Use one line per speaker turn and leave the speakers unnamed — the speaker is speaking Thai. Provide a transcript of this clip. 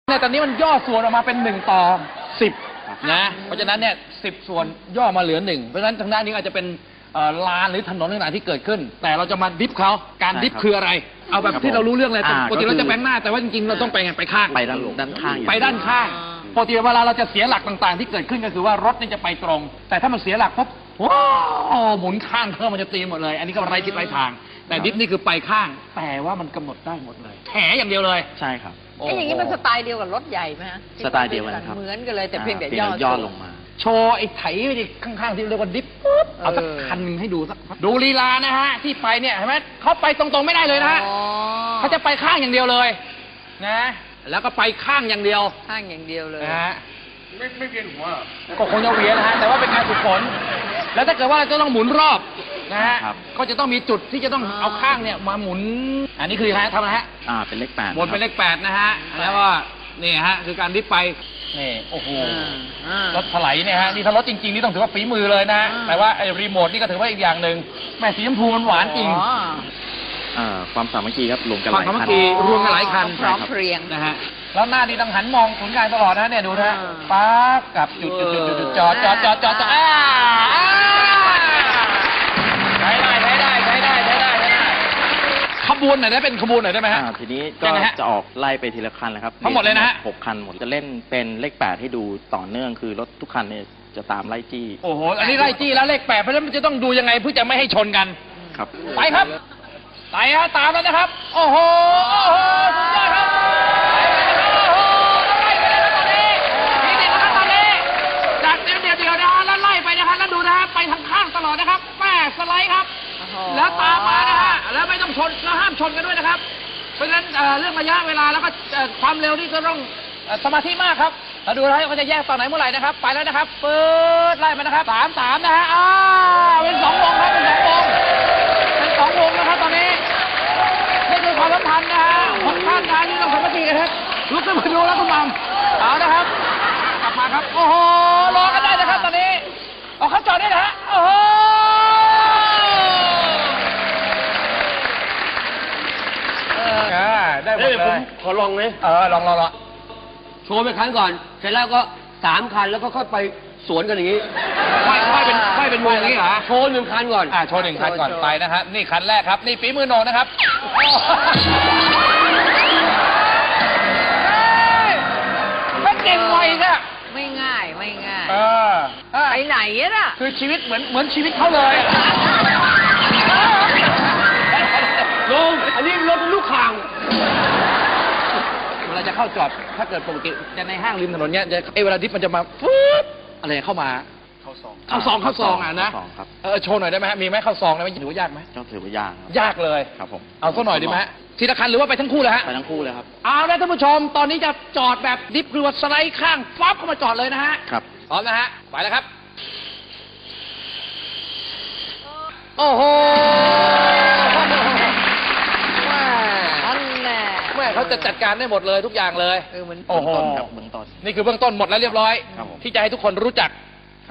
ในตอนนี้มันย่อส่วนออกมาเป็น1:10นะเพราะฉะนั้นเนี่ย10 ส่วนย่อมาเหลือ1เพราะฉะนั้นทางด้านนี้อาจจะเป็นลานหรือถนนต่างๆที่เกิดขึ้นแต่เราจะมาดิฟเขาการดิฟคืออะไรเอาแบบที่เรารู้เรื่องเลยปกติเราจะแบงหน้าแต่ว่าจริงๆเราต้องไปไงไปข้าง
ไปด้านข้าง
ไปด้านข้างปกติเวลาเราจะเสียหลักต่างๆที่เกิดขึ้นก็คือว่ารถนี่จะไปตรงแต่ถ้ามันเสียหลักปุ๊บว้าวหมุนข้างเครื่องมันจะตีหมดเลยอันนี้ก็ไร้ทิศไร้ทางแต่ดิฟนี่คือไปข้างแต่ว่ามันกำหนดได้หมดเลยแถอย่างเดียวเลย
ใช่ครับ
อย่างนี้มันสไตล์เดียวกับรถใหญ่ไหมฮะ
สไตล์เดียวกันครับ
เหมือนกันเลยแต่เพียงแต่
ย่อลงมา
โชว์ไอ้ไถไปดิข้างๆที่เรียกว่าดิฟปุ๊บเอาสักคันให้ดูสักดูลีลานะฮะที่ไปเนี่ยเห็นไหมเขาไปตรงๆไม่ได้เลยนะฮะเขาจะไปข้างอย่างเดียวเลยนะแล้วก็ไปข้างอย่างเดียว
ข้างอย่างเดียวเลย
นะฮะไม่เวียนหัวก็คงจะเวียนนะฮะแต่ว่าเป็นการฝึกฝนแล้วถ้าเกิดว่าจะต้องหมุนรอบนะฮะก็จะต้องมีจุดที่จะต้องเอาข้างเนี่ยมาหมุนอันนี้คือทำอะไรฮะ
เป็นเลข8
วนเป็นเลข8นะฮะแล้วก็นี่ฮะคือการดิฟไปนี่โอ้โหรถถลายเนี่ยฮะนี่ถ้ารถจริงๆนี่ต้องถือว่าฝีมือเลยนะแต่ว่าไอ้รีโมทนี่ก็ถือว่าอีกอย่างหนึ่งแม่สีชมพูมันหวานจริง
ความสามัคคีครับรวมกันหลายคัน
ความสามัคคีรวมกันหลายคัน
พร้อมเพรียง
นะฮะแล้วหน้านี่ต้องหันมองศูนย์กลางตลอดนะเนี่ยดูนะป๊าบกับจุดจอดใช้ได้ขบวนไหนได้เป็นขบวนไหนได้ไหมฮะ
ทีนี้ก็จะออกไล่ไปทีละคันเลยครับ
ทั้งหมดเลยนะฮะ
6 คันหมดจะเล่นเป็นเลข8ให้ดูต่อเนื่องคือรถทุกคันเนี่ยจะตามไล่จี้
โอ้โหอันนี้ไล่จี้แล้วเลข8เพราะฉะนั้นมันจะต้องดูยังไงเพื่อจะไม่ให้ชนกัน
ครับ
ไปครับไปฮะตามแล้วนะครับโอ้โหสุดยอดครับไล่ไปเลยครับตอนนี้นี่นะครับตอนนี้จากเดียวนะฮะแล้วไล่ไปนะฮะแล้วดูนะฮะไปทางข้างตลอดนะครับแม่สไลด์ครับแล้วตามมานะฮะแล้วไม่ต้องชนแล้วห้ามชนกันด้วยนะครับเพราะฉะนั้นเรื่องระยะเวลาแล้วก็ความเร็วนี่ก็ต้องสมาธิมากครับเราดูนะว่าจะแยกตอนไหนเมื่อไหร่นะครับไปแล้วนะครับเปิดไล่มานะครับ3นะฮะเป็น2 วงครับเป็น2 วงเป็น2 วงนะครับตอนนี้นี่คือความสัมพันธ์นะฮะของท่านนะนี่ต้องสามัคคีกันครับลุกขึ้นมาดูแล้วคุณมัมเอานะครับกลับมาครับโอ้โหรอกันได้นะครับตอนนี้เอาเขาจอดได้นะฮะโอ้โหได้หมดเลย
ขอลองไหม
ลอง
โชว์ไปครั้งก่อนเสร็จแล้วก็3 คันแล้วก็ค่อยไปสวนกันอย่างนี้
ค่อยเป็นวงนี้เหรอ
โชว์1 คันก่อน
โชว์1 คันก่อนไปนะครับนี่คันแรกครับนี่ฝีมือโหนนะครับไม่เก่งไวนะ
ไม่ง่ายไปไหนน่ะ
คือชีวิตเหมือนชีวิตเขาเลย
ลุงอันนี้รถลูกข่าง
เวลาจะเข้าจอดถ้าเกิดปกติจะในห้างริมถนนเนี้ยจะเวลาดิฟมันจะมาฟุ๊บอะไรเข้ามาเข้าซองนะโชว์หน่อยได้ไหมฮะมีไหมเข้าซองได้ไหมถือว่ายากไหม
ต้องถือว่ายาก
ยากเลย
ครับผม
เอาสักหน่อยดีไหมทีละคันหรือว่าไปทั้งคู่เลยฮะ
ไปทั้งคู่เลยครับ
เอาละท่านผู้ชมตอนนี้จะจอดแบบดิฟคือว่าสไลด์ข้างฟับเข้ามาจอดเลยนะฮะ
ครับ
พร้อมนะฮะไปแล้วครับโอ้โหแม่เขาจะจัดการได้หมดเลยทุกอย่างเลย
โอ้โหเบื้องต้น
นี่คือเบื้องต้นหมดแล้วเรียบร้อยที่จะให้ทุกคนรู้จัก